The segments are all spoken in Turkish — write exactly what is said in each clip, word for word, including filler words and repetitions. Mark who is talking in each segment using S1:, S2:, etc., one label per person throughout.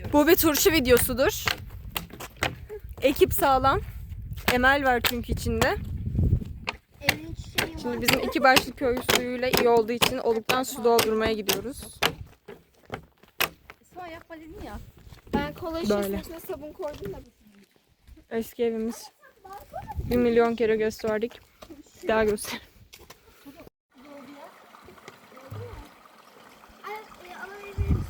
S1: Bu bir turşu videosudur. Ekip sağlam. Emel var çünkü içinde.
S2: Evin çiçeği var.
S1: Şimdi bizim iki başlı köy suyuyla iyi olduğu için oluktan su doldurmaya gidiyoruz.
S3: Esma yapma dedin ya.
S2: Ben kola
S1: Böyle.
S2: şişesinin içine sabun koydum da.
S1: Eski evimiz. Bir milyon kere gösterdik. Bir daha göster.
S2: Ay, e, alabilir misin?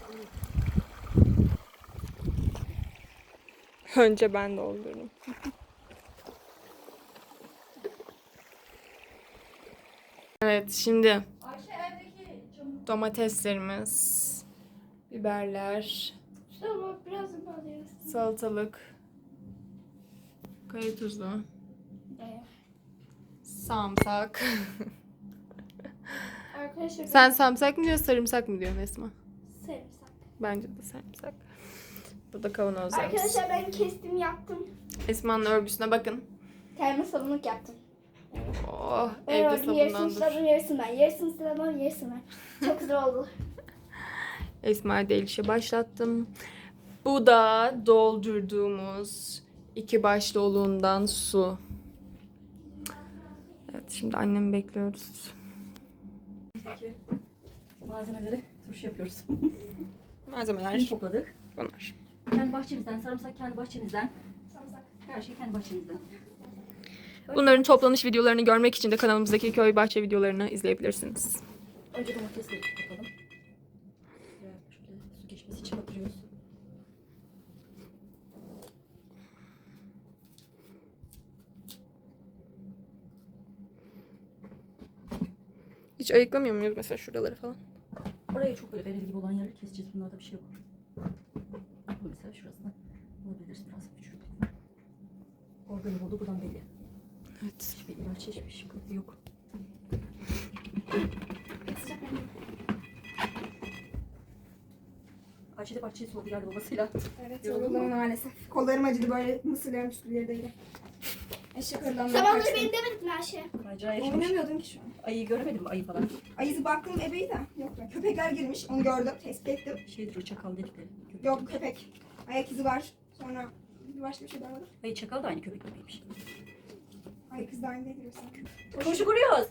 S1: Önce ben doldurdum. Evet, şimdi domateslerimiz, biberler,
S2: Tamam, biraz da alıyoruz.
S1: salatalık, kaya tuzu,
S2: Evet.
S1: sarımsak.
S2: Arkadaşlar
S1: Sen sarımsak mı diyorsun, sarımsak mı diyorsun Esma?
S2: sarımsak.
S1: Bence de sarımsak. Bu da kavanozlarımız.
S2: Arkadaşlar ben kestim yaptım.
S1: Esma'nın örgüsüne bakın.
S2: Termos sabunluk yaptım.
S1: Oh,
S2: Ben
S1: evde
S2: ördüm, yarısını
S1: sabunlandır.
S2: sıradım, yarısını ben. Yarısını sıradım, yarısını ben. Çok güzel oldu.
S1: Esma ile işe başlattım. Bu da doldurduğumuz iki baş doluğundan su. Evet, şimdi annemi bekliyoruz.
S3: Malzemeleri turşu yapıyoruz.
S1: Malzemeler
S3: Topladık.
S1: bunlar.
S3: Kendi bahçemizden, sarımsak kendi bahçemizden.
S2: Sarımsak.
S3: Her şey kendi bahçemizden.
S1: Bunların toplanış videolarını görmek için de kanalımızdaki köy bahçe videolarını izleyebilirsiniz.
S3: Önce domatesleri toplayalım. Biraz şöyle su geçmesi için batırıyoruz.
S1: Hiç ayıklamıyor muyuz mesela şuraları falan?
S3: Oraya çok böyle bereli gibi olan yerleri keseceğiz. Bunlarda bir şey yok. Bu mesela şurasına bulabiliriz biraz küçük. Organik oldu buradan belli.
S1: Evet.
S3: Hiçbir ilaç, hiçbir sıkıntı yok. Ayşe de bahçeyi sordu geldi babasıyla.
S4: Evet,
S3: Yoruldun
S4: yoruldum
S3: mu?
S4: maalesef. Kollarım acıdı böyle mısırlarım üstüleri değil. Eşek arılarından
S2: Sabahları
S4: kaçtım.
S2: beni demedin mi Ayşe?
S3: Macera yaşamış.
S4: Oynamıyordum ki şu an.
S3: Ayıyı göremedim mi ayı falan?
S4: Ayızı baktım ebeyi de. Yok be. Köpekler girmiş. Onu gördüm. Tespit ettim.
S3: Şeydir o çakal dedikleri. Köpek.
S4: Yok köpek. Ayak izi var. Sonra bir başka bir şey daha var.
S3: Ayı çakal da aynı köpek gibiymiş.
S4: Ay kız da aynı değil diyorsun.
S3: Turşu kuruyoruz.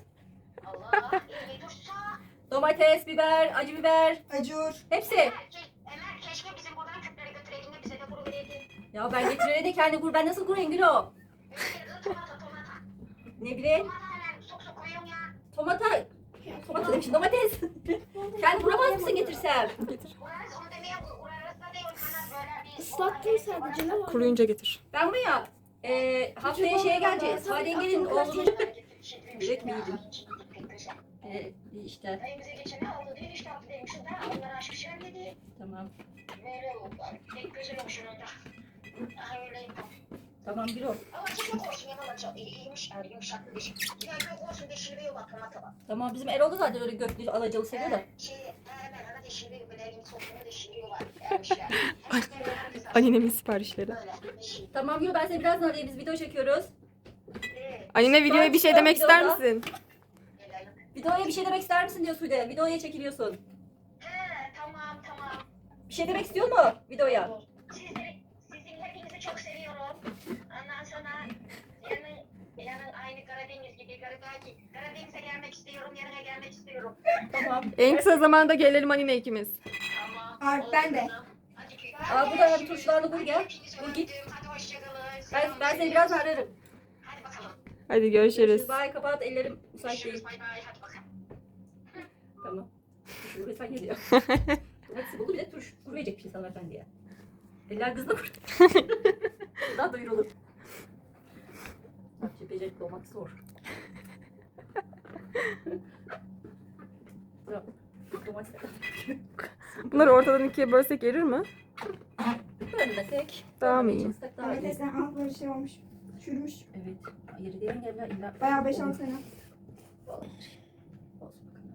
S3: Domates, biber, acı biber.
S4: Acur.
S3: Hepsi.
S5: Ömer keşke bizim buradan küpleri götüreydin de bize de kuru vereydin.
S3: Ya ben getirene de kendi kur. Ben nasıl kurayım Gülüm?
S5: Tomata tomata.
S3: Ne bileyim.
S5: Tomata hemen sok sok koyuyorum ya.
S3: Tomata. Tomata demişim. Domates. Kendi kuramaz mısın getirsem?
S1: Getir.
S5: Urarız onu demeye urarız da değil. Kanat böyle bir...
S2: Islattım sadece ne var?
S1: Kuruyunca getir.
S3: Ben buraya e, haftaya şeye geleceğiz. Sadenge'nin oğlunun direkt mi yedim? E, işte.
S5: Dayım bize geçen ne oldu diye işte hafta demişiz de onları aşmışlar dedi.
S3: Tamam.
S5: Böyle oldu. Pek güzel olmuş onun da. Aha öyle.
S3: Tamam Gülüm.
S5: Ama çok olsun yanıma çok iyiymiş. Yani yumuşaklı bir şey. Ya çok olsun deşirmiyor bak tomata bak.
S3: Tamam bizim Erol da zaten öyle göklü alacalı seviyor da.
S5: Şey hemen ana deşiriyor. Böyle elin sokunu deşiriyorlar. Ermiş yani.
S1: Annemin siparişleri.
S5: Böyle. Deşir.
S3: Tamam Gülüm ben seni birazdan arayayım. Biz video çekiyoruz.
S5: Evet.
S1: Annene videoya bir şey demek ister misin?
S3: Videoya bir şey demek ister misin diyor Sude. Videoya çekiliyorsun.
S5: He tamam tamam.
S3: Bir şey demek istiyor mu videoya?
S5: Sizleri, sizin hepinizi çok seviyorum. Ondan sonra yarın, yarın aynı Karadeniz gibi Karadaki. Karadeniz'e gelmek istiyorum. Yarına gelmek istiyorum.
S3: Tamam.
S1: En kısa zamanda gelelim Anine ikimiz.
S5: Tamam.
S4: Ay, ben de.
S5: Hadi ki.
S3: Aa, bu da bir turşularla bul gel.
S5: Hepinizi
S3: Bul git.
S5: öptüm. Hadi hoşçakalın.
S3: Ben, ben seni birazdan ararım.
S5: Hadi bakalım.
S1: Hadi görüşürüz.
S3: Bye kapat ellerim müsait değil.
S5: Görüşürüz. Bay bay. Hadi bakalım.
S3: Tamam. Turşu resmen geliyor. Hepsi buldu bir de turşu kuru verecek bir şey hanımefendi ya. Eller kızla kur. Daha duyurulur. Bahçe becerikli olmak zor. Tamam. Domates.
S1: Bunları ortadan ikiye bölsek erir mi?
S3: Bölmesek.
S1: Daha mı iyi?
S3: Çalışsak daha iyi.
S4: Domatesden al böyle şey olmuş. Çürümüş.
S3: Evet. Yeri diyen yerler illa.
S4: Bayağı beş altı sene.
S3: Olabilir. Olsun bakalım.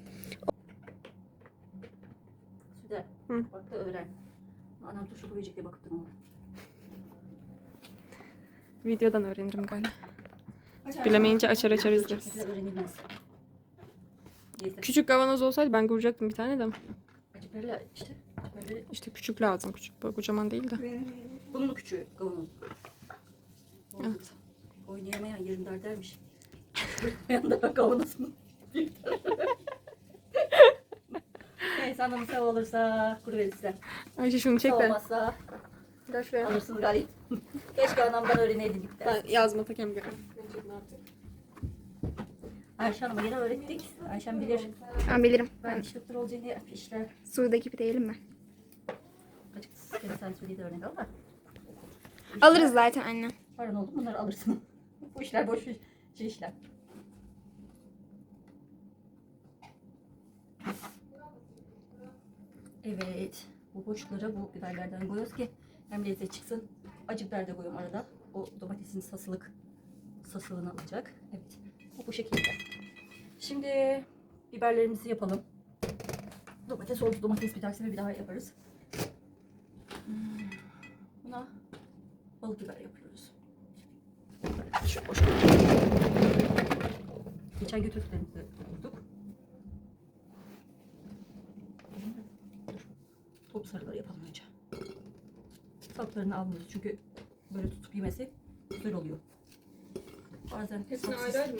S3: Süde.
S1: Hı.
S3: Bak da öğren. Anam turşu koyacak diye bakıp durma.
S1: Videodan öğrenirim galiba.
S4: Açar.
S1: Bilemeyince açar açar izleriz.
S3: Çekmekle öğrenilmez. Neyse.
S1: Küçük kavanoz olsaydı ben kuracaktım bir tane de.
S3: Acı perla işte. Böyle
S1: İşte küçük lazım. Küçük böyle kocaman değil de.
S3: bunun da küçüğü kavunun.
S1: Evet.
S3: Oynayamayan yerim dar dermiş. Yanında kavunasın. Neyse anlamı sağ olursa kuru verirse.
S1: Ayşe şunu çek
S3: Sağ
S1: de.
S3: olmazsa
S1: Gel şuraya.
S3: alırsınız gayet. Keşke anamdan öğreneydik.
S1: Ben yazma takayım gel.
S3: Ayşe Hanım'a yine öğrettik. Ayşem bilir.
S4: Ben bilirim.
S3: Ben iş doktor olacağını işler.
S4: Su'daki pideyelim mi?
S3: Açıkçası kere sen söyledi örnek al da.
S4: Alırız zaten anne.
S3: Paran oldu bunları alırsın. Bu işler boş iş- şey işler. Evet. Bu boşluklara bu biberlerden koyuyoruz ki hem lezzet çıksın. Acı biber de koyuyorum arada. O domatesin sasılık sasılığını alacak. Evet. Bu bu şekilde. Şimdi biberlerimizi yapalım. Domates oldu. Domates bir dahaki bir daha yaparız. Hmm, Buna balık biber yapıyoruz. Şu boş. Geçen götürdüklerimizi kurduk. Top sarıları yapalım önce. Saplarını almıyoruz çünkü böyle tutup yemesi güzel oluyor. Bazen
S1: Hepsini
S3: sapsız-
S1: ayrı ayrı mı?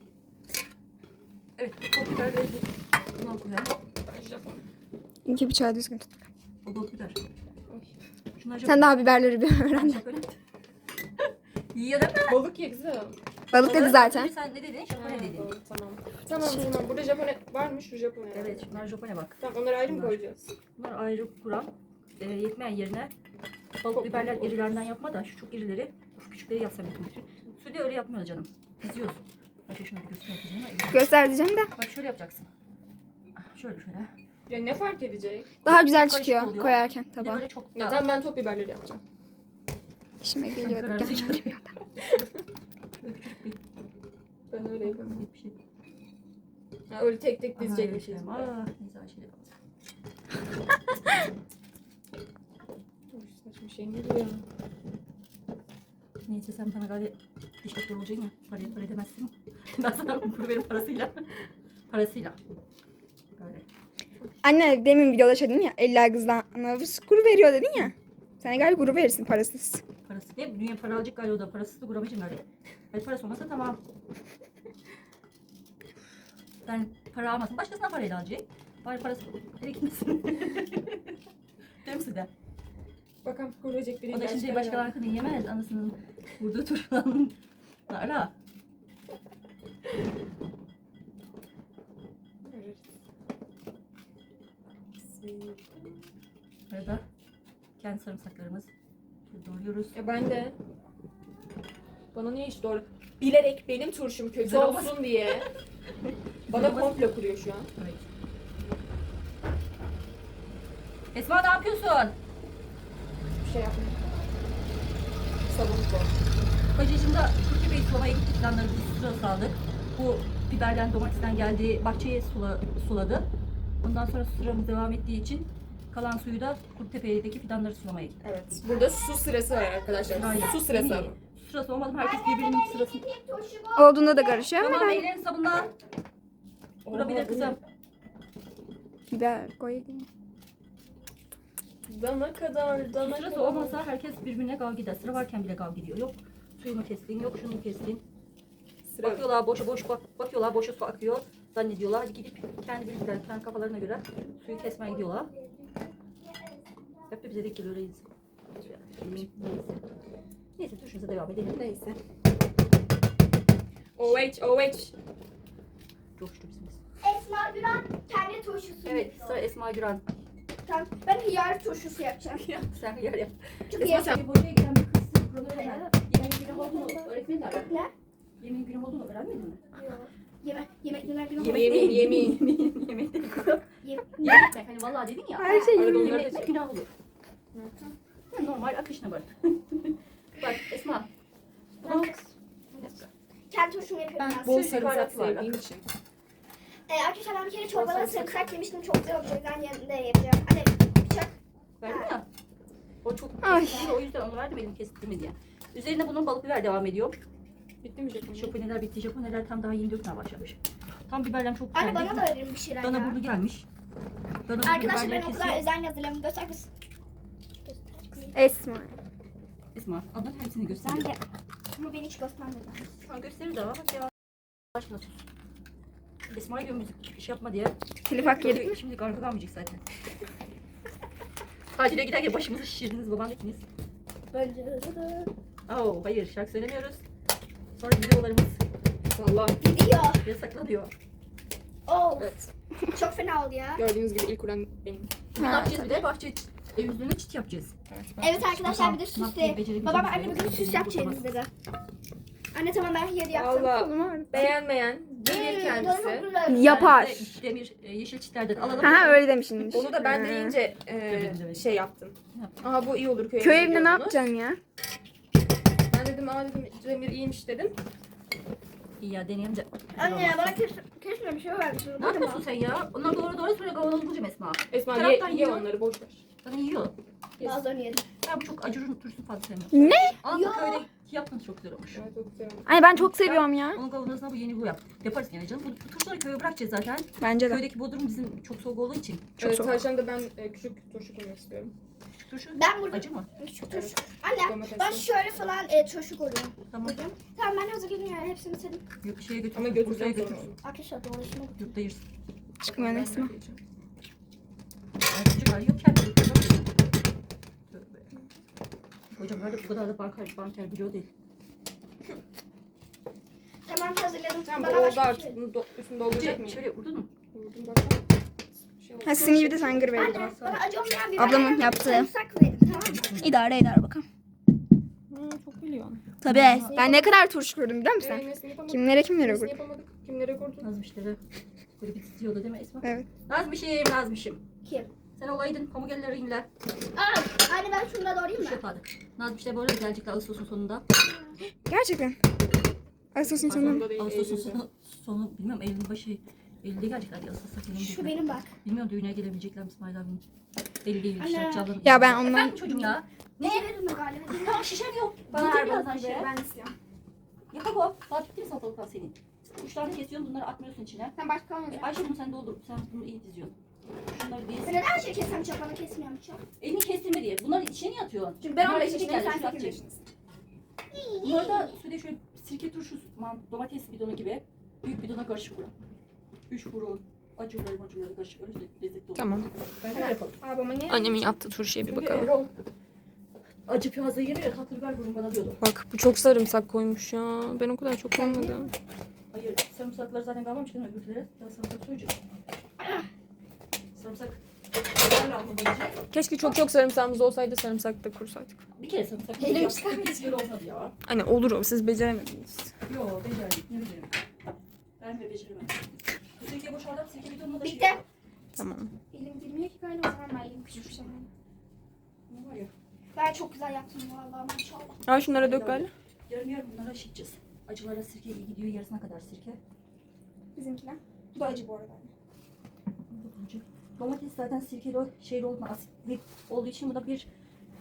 S3: Evet, top biber ve bundan koyalım.
S4: İnki bıçağı düzgün tut.
S3: O balık biber. Şunlar
S4: Sen daha biberleri bir öğren.
S3: Şöyle. Yiyor değil mi?
S1: Balık ye kızım.
S4: Balık dedi zaten.
S3: Sen ne dedin? Japonya dedin.
S1: Tamam. Tamam tamam. Burada Japonya varmış şu Japonya.
S3: Evet, şunlar Japonya bak.
S1: Tamam onları ayrı mı
S3: Bunlar.
S1: koyacağız?
S3: Bunlar ayrı kuram. E, yetmeyen yerine balık biberler irilerinden yapma da şu çok irileri, şu küçükleri yapsam yapmak. Sude öyle yapmıyoruz canım. Diziyoruz. Bak şuna bir göstereyim.
S4: Göster diyeceğim de.
S3: Bak şöyle yapacaksın. Ah, Şöyle şöyle.
S1: Ya ne fark edecek?
S4: Daha güzel
S3: Karışık
S4: çıkıyor
S3: oluyor.
S4: koyarken
S3: Bir de
S4: tabağa.
S3: böyle çok
S1: Ya
S3: da...
S1: tamam ben top biberleri yapacağım.
S4: İşime geliyordu.
S3: Karar
S4: Gel.
S3: ver. Böyle küçük bir
S1: Ben öyle yapıyorum.
S3: bir şey.
S1: Ha, öyle tek tek
S3: Aha,
S1: dizecekmişiz.
S3: evet, ah, neyse Ayşe de yapalım.
S1: Uy, saçma şey ne diyor?
S3: Neyse sen bana galiba diş doktor olacaksın ya. Parayı para edemezsin. Ben sana kuru verim parasıyla. Parasıyla. Böyle.
S4: Anne demin videoda şey dedin ya. Eller kızdan kuru veriyor dedin ya. Sen galiba kuru verirsin parasız.
S3: Parası ne? Dünya para alacak galiba o da. Parasız da kuramacın galiba. Hayır parası olmasa tamam. Ben para almasın. Başkasına parayla alacak. Bari parası eve gitmesin. Değil mi size?
S1: Bakalım kuracak biri.
S3: O da şimdi başka arkını yemez. Anasının vurduğu turşularını ara. Arada kendi sarımsaklarımız şöyle doğruyoruz.
S1: Ya ben de. Bana niye hiç doğru? Bilerek benim turşum kötü
S3: Güzel olmaz.
S1: olsun diye. Bana komplo kuruyor şu an.
S3: Evet. Esma ne yapıyorsun?
S1: Bir şey yapmıyor. Sabun bu.
S3: Bacıcımda Türkiye Bey sulamaya gittik. Fidanları bir sıra sağladık. Bu biberden domatesten geldi. Bahçeye sula, suladı. Ondan sonra sıramız devam ettiği için kalan suyu da Kurtepe'deki fidanları sulamaya gittik.
S1: Evet. Burada su sırası var arkadaşlar.
S3: Aynen.
S1: Su sırası
S3: İyi.
S1: ama.
S3: Su sırası olmadı mı? Herkes birbirinin sırasını...
S4: Olduğunda da karışıyor ama
S3: Tamam
S4: ben
S3: ellerini sabunla. Vurabilir kızım.
S4: biber koyayım.
S1: Dana kadar, dana
S3: Sırası
S1: kadar.
S3: olmasa herkes birbirine kavga eder. Sıra varken bile kavga ediyor. Yok suyunu kestin, yok şunu kestin.
S1: Sıra.
S3: Bakıyorlar boşa boş bak, bakıyorlar boşa su akıyor. Zannediyorlar gidip kendi bildikleri, kendi kafalarına göre suyu kesmeye gidiyorlar. Hep de bize denk geliyor reis. Neyse. Neyse turşumuza devam edelim.
S1: Neyse. O H, O H.
S3: Çok şükür bizimiz.
S2: Esma Güran kendi turşusu
S3: Evet
S2: yapıyor.
S3: sıra Esma Güran.
S2: Tamam, ben hıyar turşusu yapacağım.
S3: Sen yer yap.
S2: Çünkü
S1: Esma
S2: yarın-
S1: sen-
S3: Hocaya gelen bir kız buraları öğrendi. Yemeğin günah olduğunu öğretmediler mi?
S2: Ne?
S3: Yemeğin günah olduğunu öğrenmedin mi?
S2: Yemek, yemek, yemek, yemek.
S1: Yemin, yemin, yemin.
S3: Yemin. Yemin değil kızım.
S2: Yemek.
S3: Yemek demek. Hani vallahi dedin ya.
S4: Her şey
S1: Arada
S4: yemin.
S1: onları
S3: Yemek
S1: da
S3: demek günah olur. Normal akışına bak. Bak Esma. Bunu
S2: Kendi turşumu yapıyorum
S1: Ben
S2: ben.
S1: bol
S3: Sürü
S1: sarımsak
S3: baharatı var bak.
S1: sevdiğim için.
S2: Ee, arkadaşlar ben bir kere çorbada
S1: sarımsak.
S2: sarımsak yemiştim. Çok güzel oldu. O yüzden yanında yapacağım. Anne bıçak.
S3: verdim ya. O çok
S4: Ay.
S3: kesildi, o yüzden onu verdim benim kestirme diye. Üzerine bunun balık biber devam ediyor.
S1: Bitti mi Japonya?
S3: Japoneler bitti. Japoneler tam daha yeni dökmeye başlamış. Tam biberden çok
S2: Anne
S3: geldi.
S2: bana da verin bir şeyler
S3: Dana
S2: ya.
S3: burnu gelmiş. Ben o
S2: Arkadaşlar ben
S3: biberleri
S2: o kadar
S3: kesiyorum.
S2: özen hazırladım. Göster kız.
S4: Esma.
S3: Esma ablan hepsini göster.
S2: Ben de. Ama beni hiç göstermedi.
S3: Şu an gösterir de ama bak ya. Aşkına sus. Esma'ya diyorum müzik iş yapma diye.
S4: Telif hak yedik mi?
S3: Şimdi karga kalmayacak zaten. Tatile giderken başımızı şişirdiniz baban hepiniz.
S2: Bence de.
S3: Oo, hayır şarkı söylemiyoruz. Sonra videolarımız
S1: Valla
S2: Gidiyor.
S3: yasaklanıyor.
S2: Oh.
S1: evet.
S2: Çok fena oldu ya.
S1: Gördüğünüz gibi ilk uğran benim.
S3: Ne yapacağız bir de bahçe evimizde çit yapacağız.
S2: Evet arkadaşlar bir de
S3: Tamam,
S2: süs
S3: yapmayı
S2: de.
S3: becerebileceğimiz
S2: Babam
S3: bir
S2: anne
S3: şey
S2: bugün
S3: yok.
S2: süs yapacağız dedi. Anne tamam ben hediye yaptım.
S1: Valla beğenmeyen gelir
S2: Hmm,
S1: kendisi.
S2: çok güzel.
S4: Yapar.
S3: Ben de demir e, yeşil çitlerden alalım.
S4: Ha öyle demişsin.
S1: Onu da ben
S4: Ha.
S1: deyince e, şey yaptım. Aha bu iyi olur köy,
S4: Köy
S1: evinde
S4: evinde ne
S1: diyordunuz.
S4: yapacaksın ya?
S1: Ben dedim aa dedim Demir iyiymiş dedim.
S3: İyi ya deneyelim de.
S2: Anne bana kes, kesme bir şey vermişsin.
S3: Ne yapıyorsun sen ya? Onlar doğru doğru söyle kavanoz bulacağım Esma.
S1: Esma ye,
S3: Taraftan
S1: ye
S3: yiyor.
S1: onları boş ver.
S3: Sana yiyor.
S2: Bazılarını yedim.
S3: Ben bu çok acırın turşusunu fazla sevmiyorum.
S4: Ne?
S3: Ama
S2: Yo.
S3: bu köyde yaptığınız çok güzel olmuş.
S1: Evet çok güzel olmuş.
S4: Ay ben çok seviyorum ya.
S3: Onun kavanozuna bu yeni bu yap. Yaparız yine canım. Bu, bu turşuları köye bırakacağız zaten.
S4: Bence de.
S3: Köydeki bodrum bizim çok soğuk olduğu için.
S4: Çok
S1: evet,
S4: soğuk.
S1: Tavşan'da ben e, küçük turşu koymak istiyorum.
S3: Turşu
S2: Ben burada
S3: acı mı?
S2: küçük turşu. Anne
S1: Domatesli.
S2: ben şöyle falan e, turşu koyuyorum.
S3: Tamam.
S2: Koyacağım. Tamam ben hazırladım yani hepsini senin.
S3: Yok, şeye götür.
S1: Ama
S3: Bursa'ya
S1: götüreceğim
S3: götür.
S1: sonra.
S2: Arkadaşlar dolaşıma
S3: Yurtta yersin.
S4: Çıkmıyor Esma.
S3: Ay, çocuk arıyor kendi götürüyor. Tövbe. Hocam öyle bu kadar da banker, banker biliyor değil.
S2: Tamam hazırladım.
S1: Tamam bu
S2: Bana
S1: oldu
S2: başka bir
S1: artık.
S2: şey-
S1: Bunu do üstünü dolduracak
S3: Şöyle,
S1: mıyım?
S3: şöyle vurdun mu?
S1: Vurdum bakalım. Şey oldu.
S4: Ha sizin gibi de sen gır verin.
S2: Anne bana acı olmayan bir
S4: Ablamın
S2: biber
S4: yaptığı.
S2: sarımsak verin tamam mı?
S4: İdare eder bakalım.
S1: Hı, çok biliyorsun.
S4: Tabii. Ben ne kadar turşu kurdum biliyor musun?
S1: Ee, nesini yapamadık.
S4: Kimlere kimlere
S1: Nesini
S4: kurdum.
S1: yapamadık. Kimlere kurdun?
S3: Nazmışları. Böyle bir titriyordu değil mi Esma?
S4: Evet.
S3: Nazmışım, Nazmışım.
S2: Kim?
S3: Sen olaydın pamuk eller inler.
S2: Aa, anne ben şunu da doğrayayım
S3: Kuş
S2: mı?
S3: yapardık. Nazmışlar böyle gelecekler Ağustos'un sonunda.
S4: Gerçekten. Ağustos'un
S3: Pardon,
S4: sonu.
S1: Sonunda değil,
S3: Ağustos'un
S1: Eylül'de.
S3: sonu, sonu bilmiyorum Eylül'ün başı. Eylül'de gelecekler diye Ağustos'ta
S2: Şu
S3: gelemeyecekler.
S2: benim bak.
S3: Bilmiyorum düğüne gelebilecekler mi İsmail abinin. Belli değil.
S2: Anne.
S3: işte, canlı-
S4: Ya ben ondan-
S3: Efendim çocuğum ya. Ne?
S2: Ne verin mi galiba?
S3: Tamam şişem yok.
S2: Bana
S3: Getir
S2: ver
S3: birazdan
S2: bana
S3: şişe.
S2: ben istiyorum.
S3: Yapak o. Daha bitti mi salatalıklar senin? Üç tane kesiyorsun bunları atmıyorsun içine.
S2: Sen başka almayacak.
S3: E, Ayşe bunu sen doldur. Sen bunu iyi diziyorsun. Şunları
S2: Ben
S3: diz.
S2: neden her şeyi kessem çapanı kesmiyorum hiç?
S3: Elini kestirme diye. Bunları içine niye atıyorsun?
S2: Çünkü ben on
S3: Bunlar
S2: beş
S3: içine
S2: yaşındayım,
S3: geldi,
S2: sen
S3: şunu
S2: sekiz
S3: atacak. Bunları da şöyle şöyle sirke turşusu, man- domates bidonu gibi büyük bidona karışık vurun. Üç vurun. Acıları macıları karışık. Öyle lezzetli olur.
S1: Tamam.
S3: Ben öyle yapalım.
S2: Babama ne?
S1: Annemin yaptığı turşuya bir
S3: Çünkü
S1: bakalım.
S3: Erol acı fazla yemiyor ya tatlı biber vurun bana diyordu.
S1: Bak bu çok sarımsak koymuş ya. Ben o kadar çok koymadım.
S3: Hayır sarımsaklar zaten kalmamış değil mi öbürleri? Daha sarımsak soyacağız. Sarımsak. Biberle alma gelecek.
S1: Keşke çok çok sarımsağımız olsaydı sarımsak da kursaydık.
S3: Bir kere sarımsak.
S2: Elim
S3: yaptık.
S2: çıkarmış.
S3: Bir kere olmadı ya.
S1: Hani olur o siz beceremediniz.
S3: Yo becerdik. Ne becerim? Ben de beceremem. Bu sirke boşaldım. Sirke bidonuna da
S2: Bitti.
S3: şey.
S1: Tamam.
S2: Elim girmiyor ki galiba o zaman ben elim küçük bir şey.
S3: Ne var ya?
S2: Ben çok güzel yaptım vallahi maşallah.
S1: Al şunlara dök galiba.
S3: Yarım yarım bunlara şişeceğiz. Acılara sirke iyi gidiyor. Yarısına kadar sirke.
S2: Bizimkiler. Bu da acı bu arada.
S3: Acı. Domates zaten sirkeli o şeyli olma asitli olduğu için bu da bir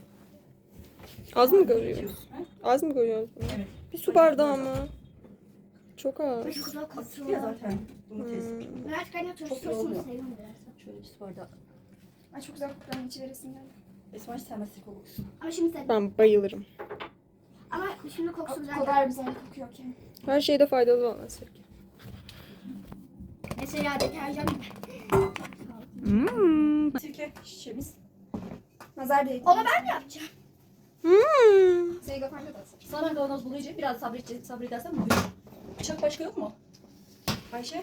S1: Az mı koyuyoruz?
S3: Ha?
S1: Az mı koyuyoruz?
S3: Evet.
S1: Bir su bardağı mı? Çok az.
S2: Çok güzel
S3: Asitli ya
S2: kokuyor.
S3: zaten domates.
S1: Hmm.
S2: Ben artık anne turşu
S3: Çok iyi
S2: sosunu
S3: olmuyor.
S2: seviyorum biraz.
S3: Şöyle bir su bardağı.
S2: Ay çok güzel kokuyor içi veresim geldi.
S3: Esma hiç sevmez sirke kokusu.
S2: Ama şimdi sevdim.
S1: Ben bayılırım.
S2: Ama şimdi kokusu güzel.
S6: O kadar güzel kokuyor ki.
S1: Her şeyde faydalı olan sirke.
S2: Mesela deterjan gibi.
S4: Hmm.
S3: Sirke şişemiz.
S6: Nazar değdi.
S2: Onu ben mi yapacağım?
S1: Hmm.
S6: Seni götürünce de asıl.
S3: Sana kavanoz bulayacağım. Biraz sabredeceğim. Sabredersen bugün. Bıçak başka yok mu? Ayşe?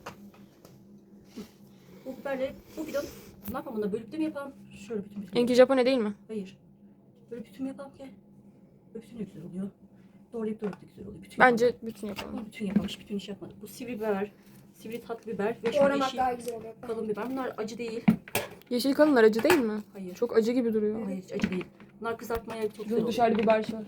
S3: Bu biberleri, bu bidon ne yapalım bunda? Bölüp de mi yapalım? Şöyle bütün bütün.
S1: Enki Japone değil mi?
S3: Hayır. Böyle bütün mü yapalım ki? Böyle bütün de güzel oluyor. Doğrayıp doğrayıp da güzel oluyor. Bütün
S1: Bence
S3: yapalım.
S1: bütün yapalım.
S3: Ama bütün yapalım. Bütün iş yapmadık. Bu sivri biber, sivri tatlı biber ve şu
S6: Doğramak
S3: yeşil
S6: daha güzel oluyor.
S3: kalın biber. Bunlar acı değil.
S1: Yeşil kalınlar acı değil mi?
S3: Hayır.
S1: Çok acı gibi duruyor.
S3: Hayır hiç acı değil. Bunlar kızartmaya çok güzel oluyor.
S1: Dışarıda biber var.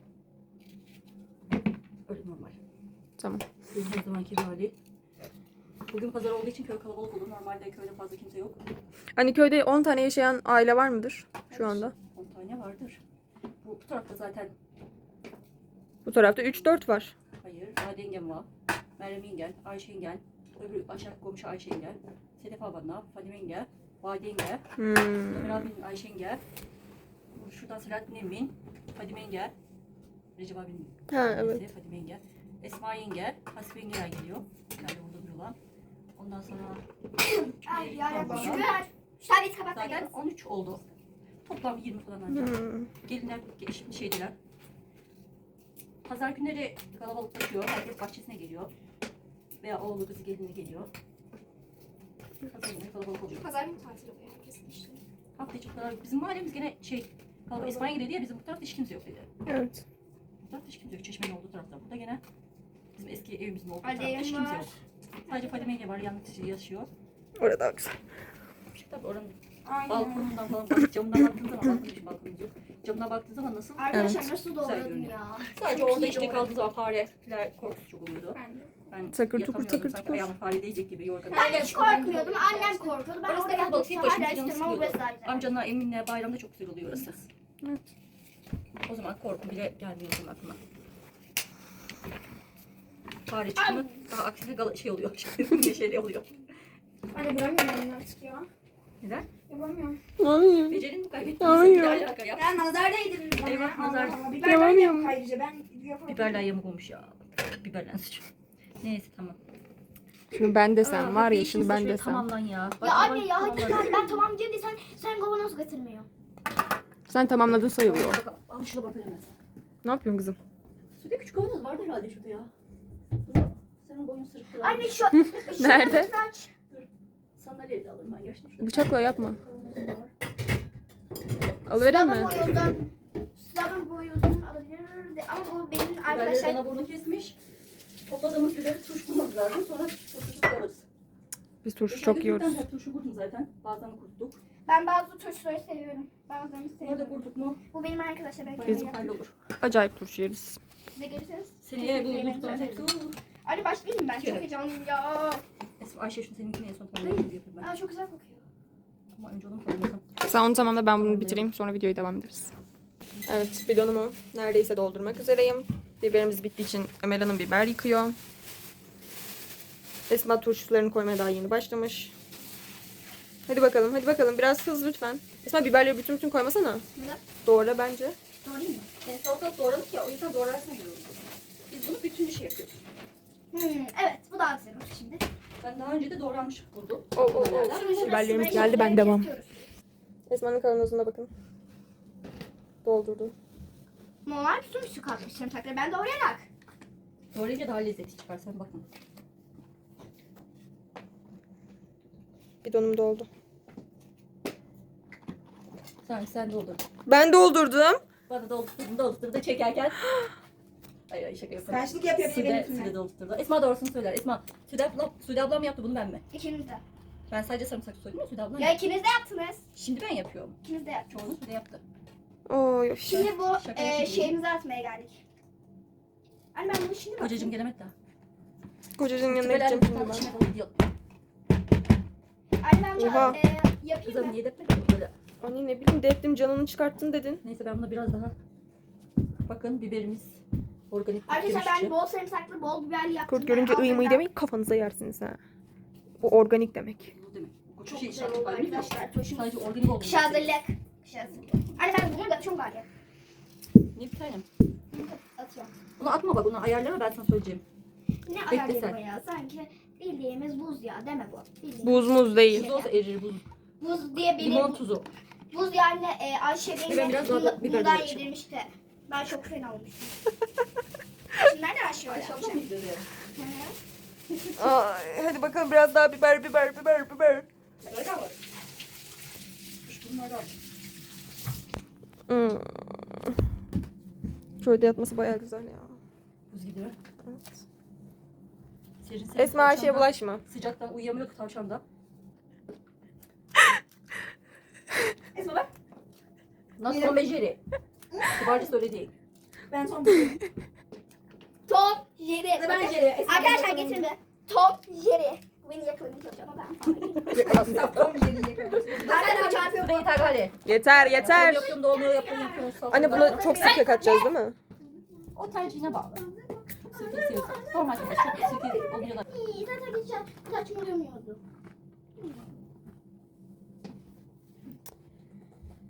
S3: Öyle normal.
S1: Tamam.
S3: Bizim her zamanki hali. Bugün pazar olduğu için köy kalabalık olur. Normalde köyde fazla kimse yok.
S1: Hani köyde on tane yaşayan aile var mıdır şu anda?
S3: on tane vardır. Bu, bu tarafta zaten
S1: Bu tarafta üç dört var.
S3: hayır. Ade yengem var. Meryem yengen, Ayşe yengen, öbür aşağı komşu Ayşe yengen, Sedef ablanla, Fadime yenge, Vahide yenge.
S1: Hmm.
S3: Ömer abinin Ayşe yenge. Şuradan Selahattin Emin. Fadime yenge. Recep abinin
S1: Ha,
S3: annesi,
S1: evet.
S3: Fadime yenge. Esma yenge. Hasibe yengeler geliyor. Yani orada duruyorlar. Ondan sonra
S2: Ay yarabbim
S3: Tamam.
S2: şükür. Şu tablet kapat da
S3: zaten
S2: gel.
S3: on üç oldu. Toplam yirmi falan ancak.
S1: Hmm.
S3: Gelinler şimdi şeydiler. Pazar günleri kalabalıklaşıyor. Herkes bahçesine geliyor. Veya oğlu kızı geline geliyor. Pazar günleri kalabalık oluyor.
S6: Pazar günü tatil oluyor herkesin işte.
S3: Hafta içi bu kadar. Bizim mahallemiz gene şey kalabalık. İspanya dedi ya bizim bu tarafta hiç kimse yok dedi.
S1: Evet.
S3: Bu tarafta hiç kimse yok. Çeşmenin olduğu tarafta. Burada gene bizim eski evimizin olduğu
S2: Hadi
S3: tarafta hiç
S2: evim
S3: kimse
S2: var.
S3: yok. Sadece Fadime yenge var. Yalnız yaşıyor.
S1: Orada daha güzel.
S3: Tabii oranın
S6: Aynen.
S3: balkonundan falan bak. Camından baktığın zaman balkon için balkonumuz yok. Camdan baktığın zaman nasıl?
S2: Arkadaşlar
S1: Evet.
S2: nasıl
S3: Güzel
S2: doğradım
S3: görünüyor.
S2: ya.
S3: Sadece
S2: Çok
S3: orada
S2: iyi
S3: işte
S2: doğradım.
S3: kaldığı zaman fareler korkusu çok oluyordu.
S6: Ben de.
S3: Ben
S1: Takır tukur,
S3: yatamıyordum.
S1: takır
S3: Sanki
S1: tukur.
S3: ayağıma fare değecek gibi yorganım.
S2: Ben hiç korkmuyordum. Annem korkuyordu. Ben
S3: Orası
S2: orada
S3: da kalabalık.
S2: yaptım.
S3: Tek başına
S2: Hala
S3: canım
S2: istiyorum ama
S3: sıkıyordu.
S2: burası daha güzel.
S3: Amcanla Emin'le bayramda çok güzel oluyor orası.
S1: Evet.
S3: O zaman korku bile gelmiyor benim aklıma. Fare çıktı mı daha aksine gala- şey oluyor. Neşeli oluyor.
S6: Anne vuramıyorum artık ya.
S3: Neden?
S6: Yapamıyorum.
S1: Hayır.
S3: Becerini mi kaybettin?
S1: Hayır.
S3: Bir alaka ya.
S6: Ya nazar değdirdin bana.
S3: Eyvah,
S6: Allah
S3: nazar.
S6: Allah. Biberden
S1: Yapamıyorum.
S6: yap ayrıca ben yapamam.
S3: Biberler yamuk olmuş ya. Biberler sıçıyor. Neyse tamam.
S1: Şunu ben
S3: Aa,
S1: desem var ya
S3: hadi
S1: şunu
S3: işinizi
S1: ben
S3: şöyle
S1: desem.
S3: Tamamlan ya. Bak,
S2: Ya
S3: bak,
S2: anne ya hadi
S3: tamamlan.
S2: gel ben tamam diyorum sen sen kavanoz getirmiyor.
S1: Sen tamamladın sayılıyor.
S3: Bak, bak, Al şuna bak hemen.
S1: Ne yapıyorsun kızım?
S3: Suda küçük kavanoz vardı herhalde şurada ya. Senin boyun sırıktı.
S2: Anne şu, şu
S1: Nerede?
S2: lütfen aç.
S3: Sandalyeyi de alırım ben yaşlı. Şurada
S1: Bıçakla yapma.
S3: kavanozum var.
S1: Alıveren
S2: Sabun
S1: mi?
S2: boyozdan sabun boyozdan alabilir de ama bu benim
S3: Biberleri
S2: arkadaşlar
S3: bana burnu kesmiş. Topladığımız biberi turşulamak lazım. Sonra turşusu alırız.
S1: Biz turşu
S3: Geçen
S1: çok
S3: gün
S1: yiyoruz.
S3: bir tane turşu kurdum zaten. Bazen kuruttuk.
S2: ben bazı turşuları seviyorum. Bazılarını
S3: Nerede
S2: sevmiyorum.
S3: kurduk mu?
S2: Bu benim arkadaşlar belki
S1: Biz-
S2: Biz...
S3: Hallolur.
S1: Acayip turşu yeriz.
S2: Siz de gelirseniz.
S3: Seneye bu
S2: Yemeğimizi
S3: buzluğun hepsi
S2: öderiz.
S3: olur.
S2: Anne başlayayım ben çok
S3: Evet.
S2: heyecanlıyım ya.
S3: Esma Ayşe şunu seninkini en son tamamlayayım yapayım ben.
S2: Aa, çok güzel kokuyor.
S3: Ama önce onu tamamlasam.
S1: Sen onu tamamla ben bunu bitireyim sonra videoyu devam ederiz. Evet bidonumu neredeyse doldurmak üzereyim. Biberimiz bittiği için Emel Hanım biber yıkıyor. Esma turşularını koymaya daha yeni başlamış. Hadi bakalım hadi bakalım biraz hız lütfen. Esma biberleri bütün bütün koymasana.
S2: Neden?
S1: Doğra bence.
S2: Doğrayayım mı?
S3: Yani salatalık doğradık ya o yüzden doğrarsın diyoruz. Biz bunu bütün işi yapıyoruz.
S2: Hmm, evet bu daha güzel olmuş şimdi.
S3: Ben daha önce de doğranmış buldum.
S1: O, o, o.
S2: Şimdi şurada
S1: Biberlerimiz
S2: sırayla
S1: geldi ben
S2: şöyle
S1: devam.
S2: kesiyoruz.
S1: Esma'nın kavanozuna bakın. Doldurdu.
S2: Normal bütün bir su katmış sarımsakları ben doğrayarak.
S3: Doğrayınca daha lezzetli çıkar sen bakın.
S1: Bidonum doldu.
S3: Sen sen doldur.
S1: Ben doldurdum.
S3: Bana doldurdun doldurdun da çekerken. Hayır hayır şaka yapıyorum.
S6: Karşılık yapıyor bir
S3: Sude,
S6: benimkine.
S3: Sude doldurdu. Esma doğrusunu söyler. Esma, Sude ablam, Sude ablam yaptı bunu ben mi?
S2: İkiniz de.
S3: Ben sadece sarımsak soydum ya Sude ablam
S2: Ya
S3: yaptı.
S2: ikiniz de yaptınız.
S3: Şimdi ben yapıyorum.
S2: İkiniz de yaptınız.
S3: Çoğunu Sude yaptı.
S1: Oy.
S2: Şimdi bu
S3: Şaka
S2: e,
S3: yapayım.
S2: şeyimizi atmaya geldik. Anne ben bunu şimdi
S3: Kocacığım
S2: bakayım.
S3: gelemek daha.
S1: Kocacığın yanına
S3: Tübeler
S1: gideceğim
S3: bir
S1: şimdi
S3: tane
S1: ben.
S3: içine falan gidiyor.
S2: Anne ben bunu
S1: Oha.
S2: e, yapayım
S3: Kızım
S2: mı?
S3: niye depmedin böyle?
S1: Anne ne bileyim deptim canını çıkarttın dedin.
S3: Neyse ben buna biraz daha. Bakın biberimiz organik kurt
S2: Arkadaşlar
S3: gömüşçü.
S2: ben bol sarımsaklı, bol biberli yaptım.
S1: Kurt görünce
S2: Ben
S1: ıy mıy
S2: altından-
S1: demeyin kafanıza yersiniz ha. O organik demek.
S3: Bu demek. Bu
S2: Çok
S3: şey
S2: güzel
S3: şarkı
S2: oldu
S3: var, biliyor musun?
S2: arkadaşlar. Turşumuz.
S3: Sadece organik olduğunu
S2: Kış
S3: söylüyorum.
S2: hazırlık. Kış hazırlık. Anne ben bunu da çok var ya.
S3: Ne bir tanem?
S2: Atıyorum.
S3: Bunu atma bak onu ayarlama ben sana söyleyeceğim.
S2: Ne
S3: Bekle
S2: ayarlıyor
S3: sen.
S2: bu ya? Sanki bildiğimiz buz ya deme bu. Bildiğimiz.
S1: Buz muz değil.
S3: Buz olsa erir buz.
S2: Buz diye biri.
S3: Limon tuzu.
S2: Buz yani e, Ayşe
S3: Ben
S2: beni
S3: biraz daha
S2: bundan,
S3: biber
S2: bundan
S3: dökeceğim.
S2: yedirmişti. Ben çok fena olmuştum. Şimdi nerede Ayşe var?
S3: Aşağıda mıydı be?
S1: Ay, hadi bakalım biraz daha biber biber biber biber.
S3: Öyle var. Kuş bunlardan.
S1: Hmm. Şöyle yatması bayağı güzel ya.
S3: Buz gibi.
S1: Evet.
S3: Serin serin
S1: Esma Ayşe'ye
S3: tavşandan-
S1: bulaşma.
S3: Sıcaktan uyuyamıyor ki tavşan da.
S6: Esma bak.
S3: Nasıl Tom ve Jerry? Kibarca söyle değil.
S6: Ben son buluyorum.
S2: Tom, Jerry.
S6: Ben Jerry. Esma
S2: Arkadaşlar
S6: bakalım.
S2: getirin be. Tom, Jerry. Bu beni yakalamaya çalışıyor ama ben falan.
S6: Tom Jerry'yi yakaladım.
S2: Arkadaşlar çarpıyor
S3: Suda yeter gari.
S1: Yeter yeter.
S3: Yapıyorum da olmuyor yapıyorum yapıyorum. Salça
S1: Anne
S3: da-
S1: bunu çok sirke katacağız değil mi?
S3: O tercihine bağlı. Çok sirke seviyorsan. Normal çok sirke olmuyor da.
S2: İyi, zaten geçen saçmalamıyordu.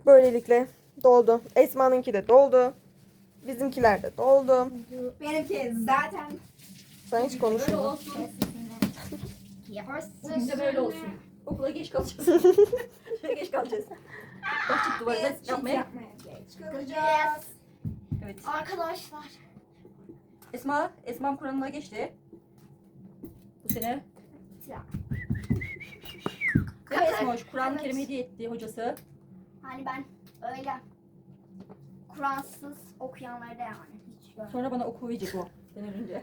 S1: Böylelikle doldu. Esma'nınki de doldu. Bizimkiler de doldu.
S2: Benimki zaten
S1: Sen hiç
S3: Böyle
S1: konuşma.
S3: olsun.
S2: yaparsın.
S3: Bugün de böyle olsun. Okula geç kalacağız. Şöyle geç kalacağız. Başlık duvarda yapmaya.
S2: Yapmaya geç kalacağız.
S3: Evet.
S2: Arkadaşlar.
S3: Esma, Esma'm Kur'an'ına geçti. Bu sene.
S2: Ya.
S3: Değil mi Esma? Kur'an-ı
S2: Evet.
S3: Kerim hediye etti hocası.
S2: Hani ben öyle Kur'ansız okuyanları da yani hiç görmedim.
S3: Sonra bana okuyacak o. Ben ölünce.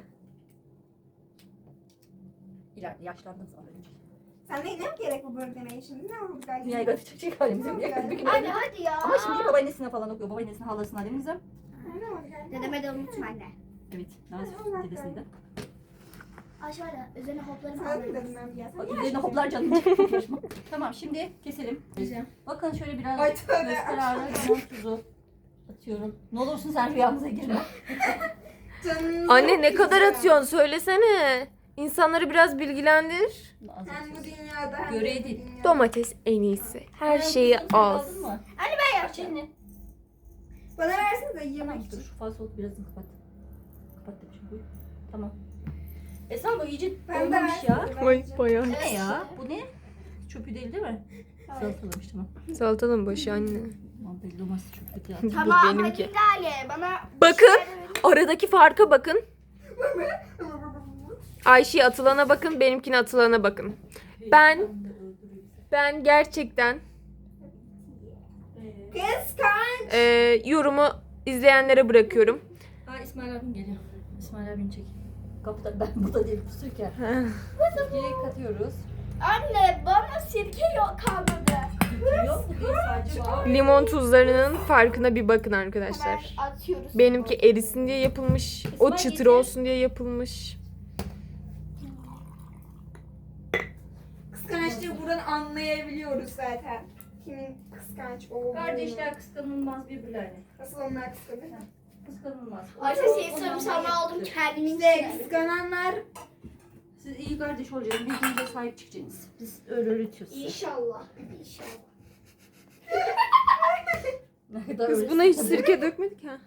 S3: İleride yaşlandığım zaman ölünce.
S4: Sen ne, ne gerek bu böyle demeye şimdi? Ne oldu galiba?
S3: Dünyayı götürecek halimizin diye. Bir gün
S2: Anne
S3: ölünce.
S2: hadi ya.
S3: Ama şimdi babaannesine falan okuyor. Babaannesine, halasına, annemizim.
S2: Dedeme de unutma anne.
S3: Evet. Nazif dedesini de.
S2: Aşağıda üzerine hoplarım
S4: Sana mı
S2: alırım.
S4: dedim ben ya?
S3: Bak üzerine hoplar canım. Konuşma. Tamam şimdi keselim. Bakın şöyle biraz
S4: Ay, tövbe.
S3: göster ağrı limon tuzu atıyorum. Ne olursun sen rüyamıza girme.
S4: Canım.
S1: Anne ne kadar atıyorsun söylesene. İnsanları biraz bilgilendir.
S3: Bunu az
S4: Hem bu
S3: atıyorsun.
S4: dünyada hem
S3: Göreydin.
S4: de bu dünyada.
S1: Domates en iyisi. Her
S3: Sen
S1: şeyi
S3: fıstığı
S1: az.
S3: aldın mı?
S2: Anne ben
S3: Aç
S2: yapacağım.
S3: elini.
S4: Bana versene de
S3: Tamam
S4: yemek
S3: dur
S4: için.
S3: şu fazla oldu birazını kapat. Kapat demişim bu. Tamam. Esma bu iyice
S4: Ben de
S3: olmamış ya.
S4: versene,
S1: Vay
S4: vereceğim.
S1: bayağı.
S3: Bu ne ya? Bu ne? Çöpü değil değil mi? Salatalamış tamam.
S1: Salatanın başı anne.
S3: Tamam belli olmaz çöp kötü ya.
S2: Tamam
S1: benimki.
S2: hadi Lale bana
S1: Bakın.
S2: bir şeyler verin.
S1: Aradaki farka bakın. Ayşe'ye atılana bakın, benimkine atılana bakın. Ben ben gerçekten
S4: Kıskanç.
S1: e, yorumu izleyenlere bırakıyorum.
S3: Aa İsmail abim geliyor. İsmail abim çek. Kapıda ben burada değilim sürken. Sirkeyi katıyoruz.
S2: Anne bana sirke yok kalmadı.
S3: Yok mu değil sadece var.
S1: Limon tuzlarının farkına bir bakın arkadaşlar.
S2: Hemen atıyoruz.
S1: Benimki erisin diye yapılmış. O çıtır olsun diye yapılmış.
S4: Kıskançlığı buradan anlayabiliyoruz zaten. Kimin kıskanç olduğunu.
S3: Kardeşler kıskanılmaz birbirlerine.
S4: Nasıl onlar kıskanır?
S3: Kıskanılmaz.
S2: Ayşe
S3: O-
S2: senin
S3: ondan
S2: sarımsağını
S3: daha
S2: aldım
S3: yakındır.
S2: kendimin
S4: İşte
S2: içine.
S4: kıskananlar
S3: Siz iyi kardeş olacaksınız. Birbirinize sahip çıkacaksınız. Biz öyle öğretiyoruz size.
S2: İnşallah. İnşallah.
S3: Ne kadar
S1: Kız
S3: öyle-
S1: buna hiç sirke dökmedik ha.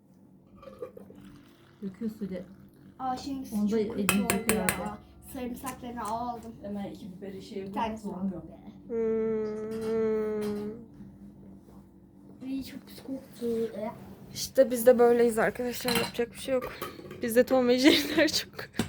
S3: Döküyorsun de.
S2: Aa şimdi
S3: Onda
S2: çok
S3: elini
S2: kötü oldu
S3: döküyor
S2: ya.
S3: abi.
S2: Sarımsaklarını aldım.
S3: Hemen iki biberi şey
S2: Bir tanesi
S3: olmuyor.
S2: aldım be.
S1: Hmm.
S2: Ay çok pis koktu. Eh.
S1: İşte biz de böyleyiz arkadaşlar. Yapacak bir şey yok. Bizde Tom ve Jerry'ler çok.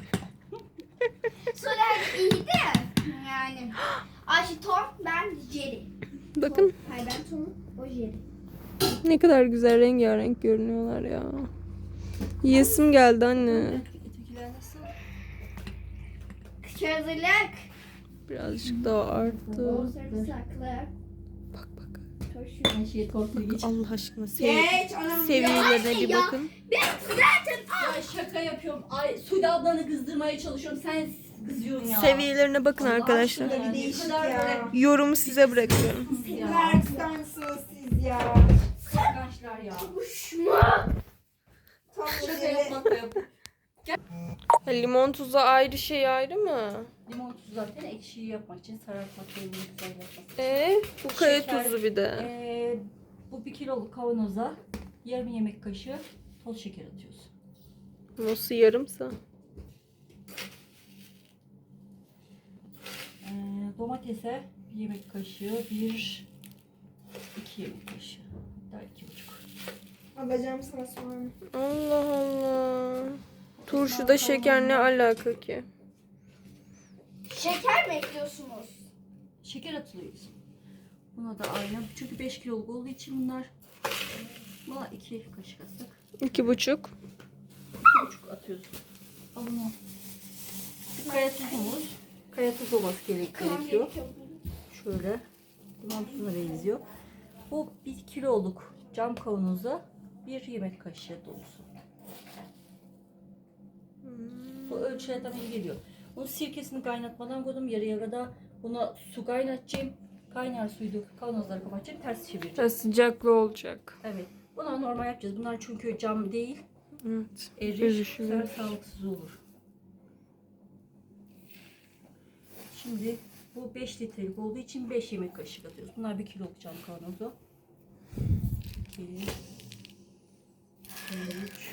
S2: Soler iyi de yani. Ayşe Tom, ben Jerry.
S1: Bakın
S2: Hayır ben Tom, o Jerry.
S1: ne kadar güzel rengarenk görünüyorlar ya. Yiyesim geldi anne.
S3: Ötekiler nasıl?
S2: Küçük hazırlık.
S1: Birazcık daha arttı.
S2: O sarımsaklı.
S1: Bak bak.
S2: Turşu.
S3: Her şeyi torpil geç.
S1: Allah aşkına sevi
S4: geç anam.
S1: seviyelerine bir
S2: ya.
S1: bakın.
S2: Ben zaten
S3: Ya şaka yapıyorum. Ay Sude ablanı kızdırmaya çalışıyorum. Sen kızıyorsun ya.
S1: Seviyelerine bakın
S3: Allah
S1: arkadaşlar.
S3: aşkına ya, ne
S4: Değişik
S3: kadar
S4: ya.
S3: böyle
S1: Yorumu size bırakıyorum.
S3: ya.
S4: Sizler kıskançsınız siz ya.
S3: Kıskançlar ya.
S2: kuşma.
S4: Tam
S3: Şaka
S4: böyle
S3: yapmak da yap.
S1: Ha, limon tuzu ayrı şey ayrı mı?
S3: Limon tuzu zaten ekşiyi yapmak için sarartmak ve güzel yapmak.
S1: Ee, bu kaya
S3: Şeker.
S1: tuzu bir de.
S3: Ee, bu bir kiloluk kavanoza yarım yemek kaşığı toz şeker atıyoruz.
S1: Nasıl yarımsa?
S3: Ee, domatese bir yemek kaşığı, bir iki yemek kaşığı. Hatta iki buçuk.
S4: alacağım sana sonra.
S1: Allah Allah. Turşuda şeker ne alaka ki?
S2: Şeker mi ekliyorsunuz?
S3: Şeker atılıyoruz. Buna da aynı. Çünkü beş kiloluk olduğu için bunlar. Buna iki kaşık attık.
S1: İki buçuk.
S3: iki buçuk atıyoruz. Al bunu. Şu kaya tuzumuz. Kaya tuzu olması gerek- gerekiyor. Şöyle. Limon tuzuna benziyor. Bu bir kiloluk cam kavanoza bir yemek kaşığı dolusu. Bu ölçüye tabii geliyor. Bunun sirkesini kaynatmadan koydum. Yarıya kadar buna su kaynatacağım. Kaynar suyu döküp kavanozları kapatacağım. Ters çevireceğim.
S1: Ha, sıcaklı olacak.
S3: Evet. Buna normal yapacağız. Bunlar çünkü cam değil.
S1: Evet.
S3: Erir.
S1: Erişiyor.
S3: Sonra sağlıksız olur. Şimdi bu beş litrelik olduğu için beş yemek kaşığı atıyoruz. Bunlar bir kiloluk cam kavanozu. iki, üç,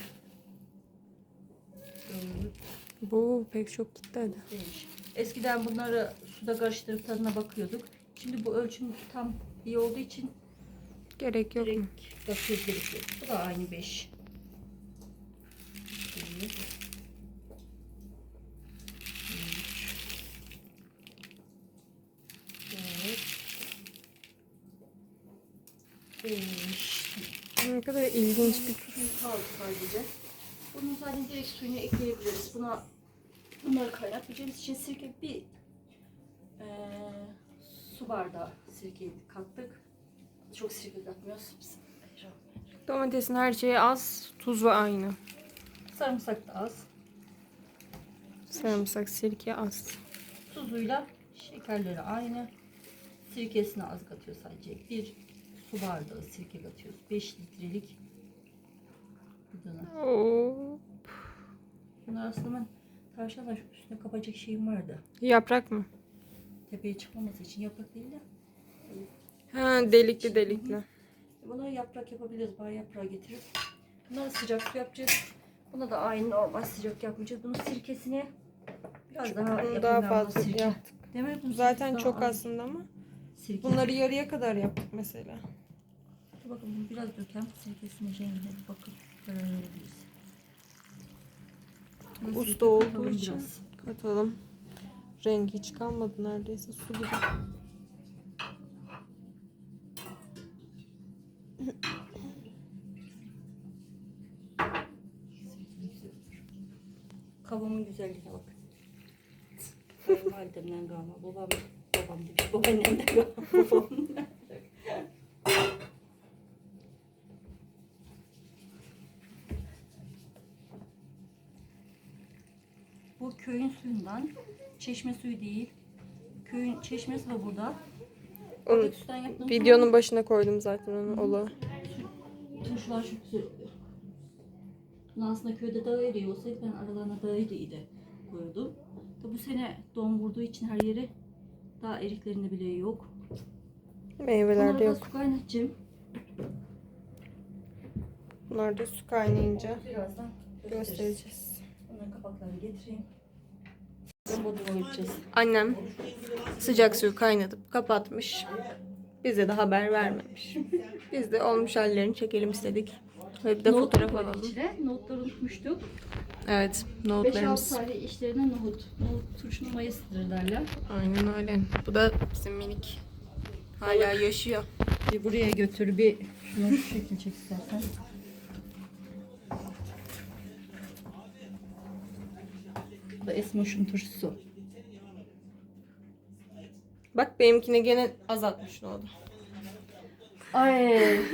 S3: dört,
S1: Bu pek çok gitti hadi.
S3: beş. Eskiden bunları suda karıştırıp tadına bakıyorduk. Şimdi bu ölçüm tam iyi olduğu için
S1: Gerek yok mu?
S3: direkt bakıyoruz gerekiyor. Bu da aynı beş. Bir, üç, dört, beş.
S1: Ne kadar ilginç bir
S3: Tuz kaldı sadece. Bunun zaten direkt suyunu ekleyebiliriz. Buna bunları kaynatmayacağımız için sirke bir eee, su bardağı sirke kattık. Çok sirke katmıyoruz. Bismillahirrahmanirrahim.
S1: domatesin her şeyi az, tuzu aynı.
S3: Sarımsak da az.
S1: Sarımsak, sirke az.
S3: Tuzuyla şekerleri aynı. Sirkesini az katıyor sadece. Bir su bardağı sirke katıyoruz. beş litrelik bidona.
S1: Oo.
S3: Bunlar aslında ben tavşanlar üstüne kapacak şeyim vardı.
S1: Yaprak mı?
S3: Tepeye çıkmaması için yaprak değil de.
S1: Ha, delikli delikli.
S3: Bunları yaprak yapabiliriz. Bar yaprağı getirip. Bunları sıcak su yapacağız. Buna da aynı normal sıcak yapmayacağız. Bunun sirkesini biraz daha
S1: Bunu
S3: yapayım
S1: daha
S3: ben bu
S1: fazla
S3: sirke.
S1: yaptık.
S3: Değil mi? Bunun
S1: Zaten
S3: sirkesi
S1: çok
S3: daha az.
S1: aslında ama
S3: Sirke.
S1: bunları yarıya kadar yaptık mesela.
S3: Dur bakalım bunu biraz dökelim. Sirkesinin rengine bir bakıp karar verebiliriz. Bunun
S1: Usta
S3: sirke
S1: olduğu
S3: katalım
S1: için
S3: biraz.
S1: katalım. Rengi hiç kalmadı neredeyse, su gibi.
S3: Kavamın güzelliğine bak. Validemden kalma. Babam, babam demiş. Babaannemden kalma. Babamdan. Bu köyün suyundan. Çeşme suyu değil. Köyün çeşmesi var burada.
S1: Onu
S3: Oradaki sudan yaptığımız
S1: videonun başına koydum zaten onu. Ola.
S3: turşular çok güzel oluyor. Bunu aslında köyde dağ eriği olsaydı ben aralarına dağ eriği de koyuyordum. Tabi bu sene don vurduğu için her yeri dağ eriklerinde bile yok.
S1: Meyvelerde
S3: Bunları
S1: yok.
S3: da su kaynatacağım.
S1: Bunlar da su kaynayınca
S3: Birazdan göstereceğiz.
S1: göstereceğiz.
S3: Bunların kapaklarını getireyim. Bomba koyacağız.
S1: Annem sıcak suyu kaynatıp kapatmış. Bize de haber vermemiş. Biz de olmuş hallerini çekelim istedik. Ve bir de
S3: Nohut
S1: fotoğraf
S3: koyduk
S1: alalım.
S3: içine. Nohutları unutmuştuk.
S1: Evet,
S3: beş altı
S1: nohutlarımız.
S3: tane işlerine nohut. Nohut turşunun mayasıdır derler.
S1: Aynen öyle. Bu da bizim minik. Hala yaşıyor.
S3: Bir buraya götür, bir şunu şu şekil çek istersen. Bu da Esmoş'un turşusu.
S1: Bak benimkine gene azaltmış nohudu.
S3: Ay.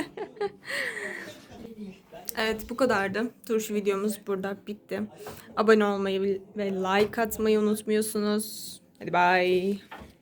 S1: Evet, bu kadardı. Turşu videomuz burada bitti. Abone olmayı ve like atmayı unutmuyorsunuz. Hadi bye.